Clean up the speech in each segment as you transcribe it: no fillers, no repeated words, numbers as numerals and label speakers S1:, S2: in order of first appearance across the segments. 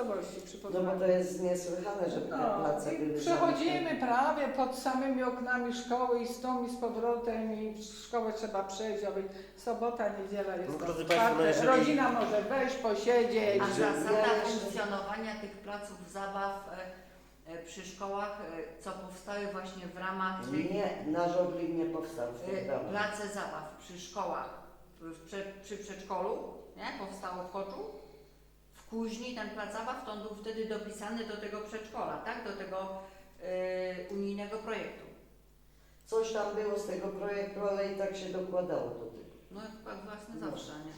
S1: miejscowości przy
S2: No
S1: Poznaniu.
S2: bo to jest niesłychane, żeby te place były
S1: Przechodzimy prawie pod samymi oknami szkoły i z tą i z powrotem i w szkołę trzeba przejść, aby sobota, niedziela jest
S3: No, drodzy
S1: otwarte.
S3: Państwo, no jeżeli-
S1: Rodzina może wejść, posiedzieć.
S4: A zasada
S2: Ja-
S4: funkcjonowania tych placów zabaw przy szkołach, co powstały właśnie w ramach tych
S2: Nie, na Żoglin nie powstał w tym ramach.
S4: place zabaw przy szkołach, przy przedszkolu, nie? Powstało w Choczu. W Kuźni ten plac zabaw to on był wtedy dopisany do tego przedszkola, tak? Do tego unijnego projektu.
S2: Coś tam było z tego projektu, ale i tak się dokładało do tego.
S4: No chyba własne
S2: No.
S4: zawsze, nie?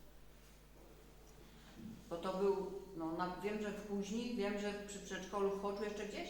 S4: Bo to był, no wiem, że w Kuźni, wiem, że przy przedszkolu w Choczu jeszcze gdzieś.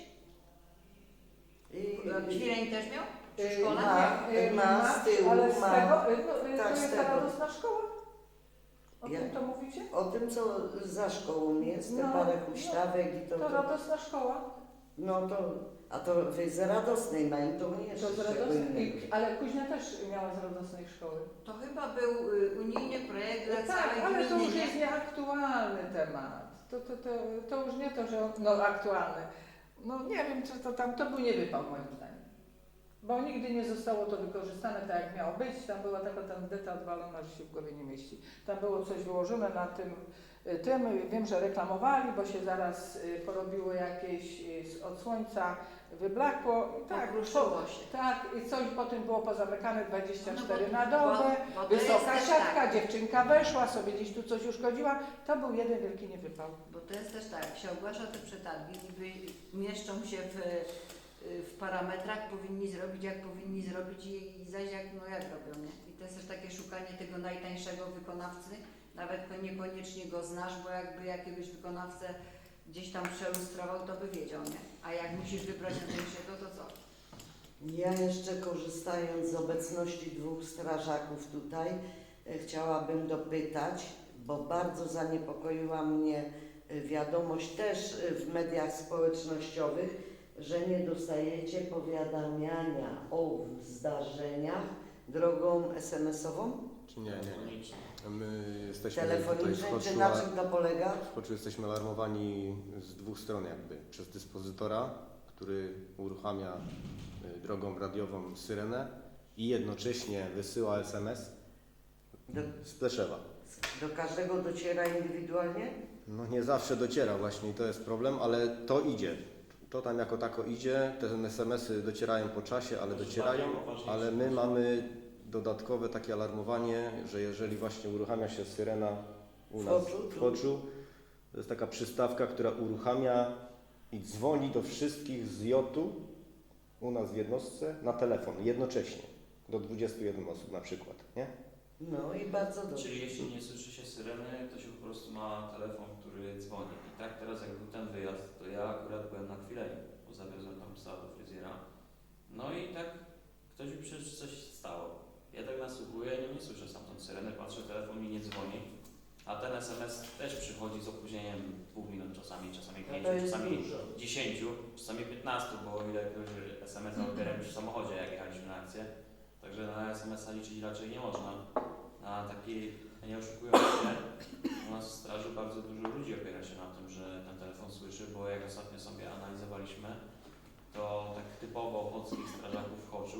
S4: Kwileń też miał? Przy szkole?
S2: Ma z tyłu,
S1: ale z
S2: ma.
S1: tego,
S2: Tak,
S1: to
S2: z
S1: jest
S2: tego.
S1: ta radosna szkoła? O
S2: Ja-
S1: tym to mówicie?
S2: O tym, co za szkołą jest, te
S1: No,
S2: parę
S1: no.
S2: huśtawek i to.
S1: To radosna szkoła.
S2: No to, a to wy z radosnej mają, to nie jeszcze
S1: To z
S2: czego
S1: radosnej,
S2: innego.
S1: ale Kuźnia też miała z radosnej szkoły.
S4: To chyba był unijny projekt dla
S1: Tak,
S4: całej
S1: ale to
S4: gminy,
S1: już
S4: nie?
S1: jest nieaktualny temat. To już nie to, że aktualny. No nie wiem, czy to był niewypał moim zdaniem. Bo nigdy nie zostało to wykorzystane tak, jak miało być. Tam była taka tandeta odwalona, że się w głowie nie mieści. Tam było coś wyłożone na tym. Wiem, że reklamowali, bo się zaraz porobiło jakieś od słońca, wyblakło. Tak,
S4: Pokruszyło się.
S1: tak, i coś potem było pozamykane 24
S4: No
S1: na dobę.
S4: bo to
S1: Wysoka
S4: jest też
S1: siatka,
S4: tak,
S1: dziewczynka weszła, sobie gdzieś tu coś uszkodziła. To był jeden wielki niewypał.
S4: bo to jest też tak, jak się ogłasza te przetargi, niby mieszczą się w parametrach, powinni zrobić jak powinni zrobić i zaś jak robią, nie? I to jest też takie szukanie tego najtańszego wykonawcy, nawet niekoniecznie go znasz, bo jakby jakiegoś wykonawcę gdzieś tam przelustrował, to by wiedział, nie? A jak musisz wybrać najtańszego, to co?
S2: Ja jeszcze korzystając z obecności dwóch strażaków tutaj, chciałabym dopytać, bo bardzo zaniepokoiła mnie wiadomość też w mediach społecznościowych, że nie dostajecie powiadamiania o zdarzeniach drogą SMS-ową,
S3: Czy nie. My jesteśmy tutaj w
S2: telefoniczną,
S3: Choczu,
S2: czy na czym to polega?
S3: w Choczu jesteśmy alarmowani z dwóch stron jakby. Przez dyspozytora, który uruchamia drogą radiową syrenę i jednocześnie wysyła SMS z Pleszewa.
S2: Do każdego dociera indywidualnie?
S3: No nie zawsze dociera właśnie i to jest problem, ale to idzie. To tam jako tako idzie, te SMS-y docierają po czasie, ale docierają, ale my mamy dodatkowe takie alarmowanie, że jeżeli właśnie uruchamia się syrena u nas w Choczu, to jest taka przystawka, która uruchamia i dzwoni do wszystkich z JOT-u u nas w jednostce na telefon jednocześnie, do 21 osób na przykład, nie?
S2: No i bardzo dobrze.
S5: Czyli jeśli nie słyszy się syreny, to się po prostu ma telefon, który dzwoni. I tak teraz jak był ten wyjazd, to ja akurat byłem na chwilę, bo zawiozłem tam psa do fryzjera. No i tak ktoś mi przecież coś stało. Ja tak nasłuchuję, nie słyszę stamtąd syreny, patrzę, telefon mi nie dzwoni. A ten SMS też przychodzi z opóźnieniem 2 minut czasami 5,
S2: to jest
S5: czasami
S2: dużo.
S5: 10, czasami 15, bo ile jakiegoś SMS-a odbieram już w samochodzie, jak jechaliśmy na akcję. Także na SMS-a liczyć raczej nie można. Na takiej, nie oszukujmy się, u nas w straży bardzo dużo ludzi opiera się na tym, że ten telefon słyszy, bo jak ostatnio sobie analizowaliśmy, to tak typowo ochotskich strażaków w Choczu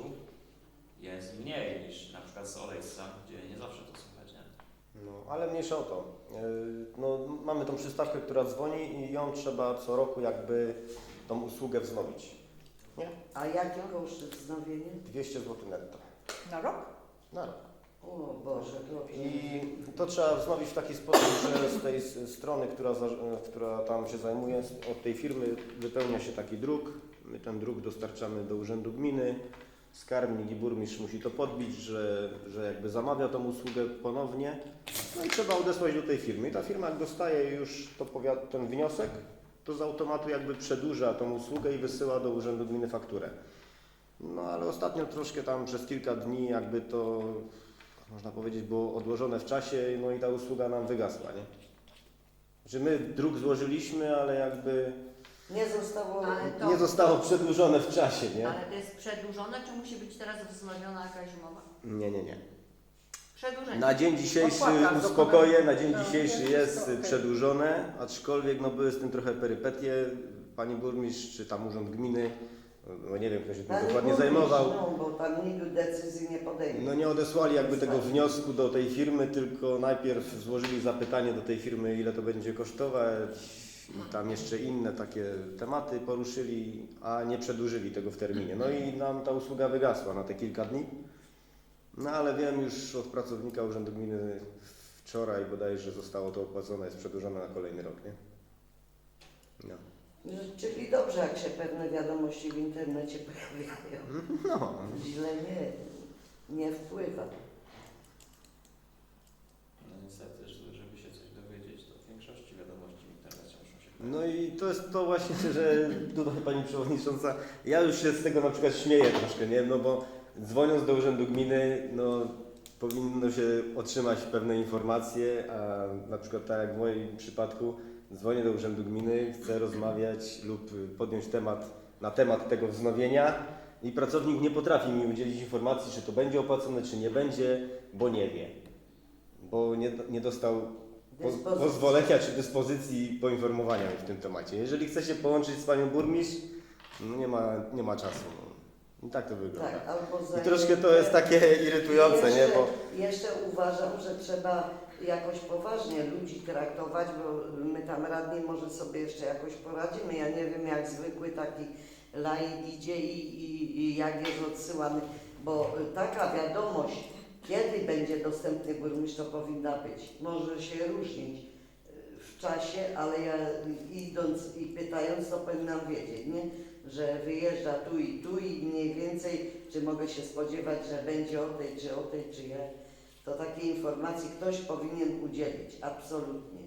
S5: jest mniej niż na przykład z Olejsca, gdzie nie zawsze to słychać, nie?
S3: No, ale mniejsza o to. No, mamy tą przystawkę, która dzwoni i ją trzeba co roku jakby tą usługę wznowić. Nie?
S2: A jakie koszty wznowienie?
S3: 200 zł netto
S1: Na rok?
S3: na rok.
S2: O Boże, dobrze.
S3: I to trzeba wznowić w taki sposób, że z tej strony, która tam się zajmuje, od tej firmy wypełnia się taki druk. My ten druk dostarczamy do urzędu gminy. Skarbnik i burmistrz musi to podbić, że jakby zamawia tą usługę ponownie. No i trzeba odesłać do tej firmy. I ta firma jak dostaje już ten wniosek, to z automatu jakby przedłuża tą usługę i wysyła do urzędu gminy fakturę. No ale ostatnio troszkę tam przez kilka dni jakby to, można powiedzieć, było odłożone w czasie, no i ta usługa nam wygasła, nie? Że my druk złożyliśmy, ale jakby nie zostało przedłużone w czasie, nie?
S4: Ale to jest przedłużone, czy musi być teraz wznowiona jakaś umowa?
S3: Nie.
S4: Przedłużenie.
S3: Na dzień dzisiejszy
S1: Opłata
S3: uspokoję, na dzień
S1: No,
S3: dzisiejszy
S1: jest
S3: jest
S1: wszystko okej.
S3: przedłużone, aczkolwiek no, były z tym trochę perypetie. Pani burmistrz czy tam urząd gminy, no nie wiem kto się tym
S2: Pani
S3: dokładnie
S2: burmistrz,
S3: zajmował,
S2: No, bo tam nikt decyzji nie podejmie.
S3: no nie odesłali jakby tego wniosku do tej firmy, tylko najpierw złożyli zapytanie do tej firmy, ile to będzie kosztować i tam jeszcze inne takie tematy poruszyli, a nie przedłużyli tego w terminie. No i nam ta usługa wygasła na te kilka dni. No ale wiem już od pracownika Urzędu Gminy wczoraj bodajże zostało to opłacone, jest przedłużone na kolejny rok, nie? No.
S2: Czyli dobrze, jak się pewne wiadomości w internecie pojawiają.
S3: No.
S2: Źle nie wpływa.
S5: No niestety, żeby się coś dowiedzieć, to w większości wiadomości w internecie muszą się
S3: No i to jest to właśnie, że tutaj Pani Przewodnicząca, ja już się z tego na przykład śmieję troszkę, nie? No bo dzwoniąc do Urzędu Gminy, no powinno się otrzymać pewne informacje, a na przykład tak jak w moim przypadku, dzwonię do Urzędu Gminy, chcę rozmawiać lub podjąć temat na temat tego wznowienia i pracownik nie potrafi mi udzielić informacji, czy to będzie opłacone, czy nie będzie, bo nie wie. Bo nie dostał pozwolenia czy dyspozycji poinformowania mnie w tym temacie. Jeżeli chce się połączyć z Panią Burmistrz, no nie ma czasu. No. I tak to wygląda.
S2: Tak, albo
S3: I troszkę to jest takie irytujące, nie? Bo
S2: Jeszcze uważam, że trzeba jakoś poważnie ludzi traktować, bo my tam radni może sobie jeszcze jakoś poradzimy. Ja nie wiem, jak zwykły taki laik idzie i jak jest odsyłany, bo taka wiadomość, kiedy będzie dostępny burmistrz, to powinna być. Może się różnić w czasie, ale ja idąc i pytając, to powinnam wiedzieć, nie? Że wyjeżdża tu i mniej więcej, czy mogę się spodziewać, że będzie o tej, czy jak. To takiej informacji ktoś powinien udzielić, absolutnie.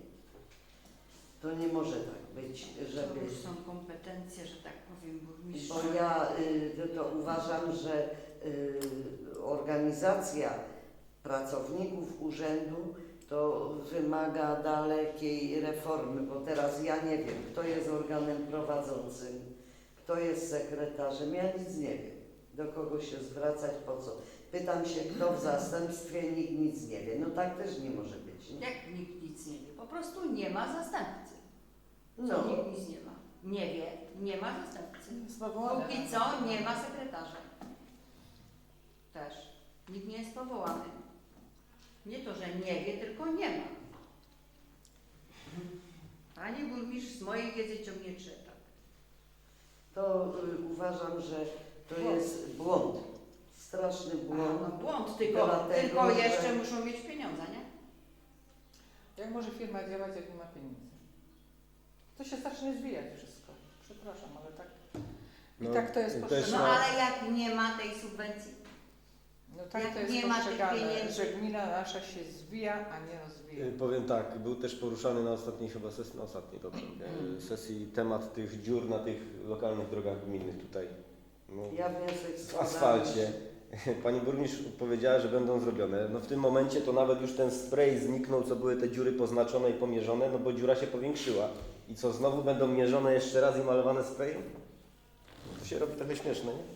S2: To nie może tak być,
S4: To
S2: żeby...
S4: już są kompetencje, że tak powiem, burmistrza.
S2: Bo ja to uważam, że organizacja pracowników urzędu to wymaga dalekiej reformy, bo teraz ja nie wiem, kto jest organem prowadzącym, kto jest sekretarzem, ja nic nie wiem, do kogo się zwracać, po co. Pytam się, kto w zastępstwie, nikt nic nie wie. No tak też nie może być. Nie?
S4: Jak nikt nic nie wie? Po prostu nie ma zastępcy.
S2: No,
S4: Nikt nic nie ma. Nie wie, nie ma zastępcy.
S1: Powołane.
S4: Póki co nie ma sekretarza. Też. Nikt nie jest powołany. Nie to, że nie wie, tylko nie ma. Pani burmistrz z mojej wiedzy ciągnie trzeba.
S2: to uważam, że to jest błąd. Straszny błąd.
S4: No błąd, tylko
S2: Dlatego, że-
S4: jeszcze muszą mieć pieniądze, nie?
S1: Jak może firma działać, jak nie ma pieniędzy? To się zacznie zwijać wszystko. Przepraszam, ale tak. I
S3: No,
S1: tak to jest
S3: też
S1: postrzegane.
S4: No ale jak nie ma tej subwencji?
S1: No tak
S4: jak
S1: to jest
S4: nie ma tych
S1: postrzegane,
S4: pieniędzy.
S1: że gmina nasza się zwija, a nie rozwija.
S3: powiem tak, był też poruszany na ostatniej chyba sesji, na ostatniej dobrze, sesji temat tych dziur na tych lokalnych drogach gminnych tutaj. No,
S2: Ja wniosek
S3: w
S2: składam.
S3: asfalcie. Pani burmistrz powiedziała, że będą zrobione. No w tym momencie to nawet już ten spray zniknął, co były te dziury poznaczone i pomierzone, no bo dziura się powiększyła. I co, znowu będą mierzone jeszcze raz i malowane sprayem? No to się robi trochę śmieszne, nie?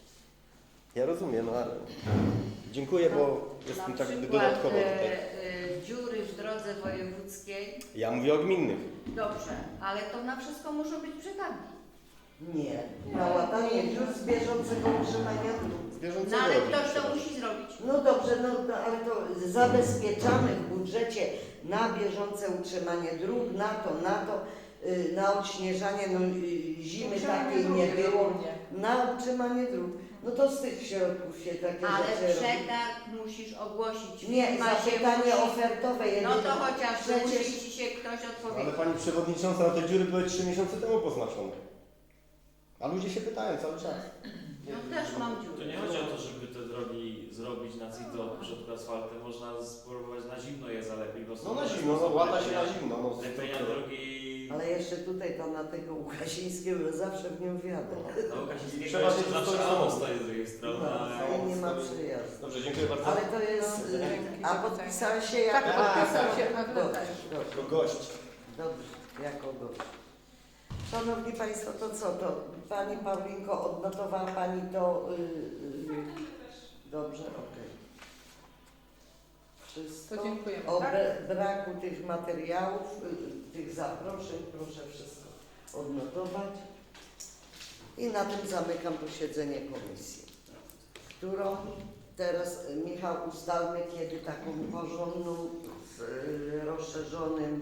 S3: Ja rozumiem, no ale dziękuję, bo jestem tak jakby dodatkowo tutaj.
S4: Dziury w drodze wojewódzkiej,
S3: Ja mówię o gminnych.
S4: dobrze, ale to na wszystko muszą być przetargi.
S2: Nie. Na łatanie dziur z bieżącego utrzymania dróg.
S3: Z bieżącego
S4: No ale
S3: robimy
S4: ktoś to
S3: przecież.
S4: musi zrobić.
S2: No dobrze, no ale to zabezpieczamy w budżecie na bieżące utrzymanie dróg, na to, na odśnieżanie, zimy takiej nie było, na utrzymanie dróg. No to z tych środków się takie
S4: Ale
S2: rzeczy robi.
S4: przetarg musisz ogłosić.
S2: Nie,
S4: Firma się
S2: zapytanie
S4: musi-
S2: ofertowe
S4: No
S2: jedyne.
S4: to chociaż
S2: Przecież-
S4: musi ci się ktoś
S3: Ale
S4: odpowiedzieć.
S3: Pani Przewodnicząca, no te dziury były 3 miesiące temu poznaczone. A ludzie się pytają cały czas.
S4: No też mam
S5: To
S4: dziury.
S5: nie chodzi o to, żeby te drogi zrobić na CITO, w środku asfaltem. Można spróbować na zimno je zalepić. Bo
S3: No na zimno, no łata się na zimno. No,
S5: Lepienia drogi...
S2: Ale jeszcze tutaj to na tego Łukasińskiego zawsze w nią wjadę.
S5: No Łukasińskiego
S3: Trzeba
S5: jeszcze
S3: się
S5: zawsze
S3: dostać
S5: samo
S3: do-
S5: stoi z drugiej strony.
S2: No,
S5: ale-
S2: i nie ma przyjazdu.
S3: Dobrze, dziękuję bardzo.
S2: Ale to jest...
S1: No, dzięki
S2: A
S1: za
S2: podpisałeś się
S1: Tak,
S2: jako...
S1: podpisał się, a
S2: Dobrze,
S1: wyleciał.
S2: dobrze.
S3: Jako gość.
S2: Dobrze, jako gość. Szanowni Państwo, to co to? Pani Paulinko, odnotowała Pani to? Dobrze, okej. wszystko.
S1: To dziękujemy.
S2: O
S1: Tak?
S2: braku tych materiałów, tych zaproszeń, proszę wszystko odnotować. I na tym zamykam posiedzenie komisji, którą teraz, Michał, ustalmy kiedy taką porządną z rozszerzonym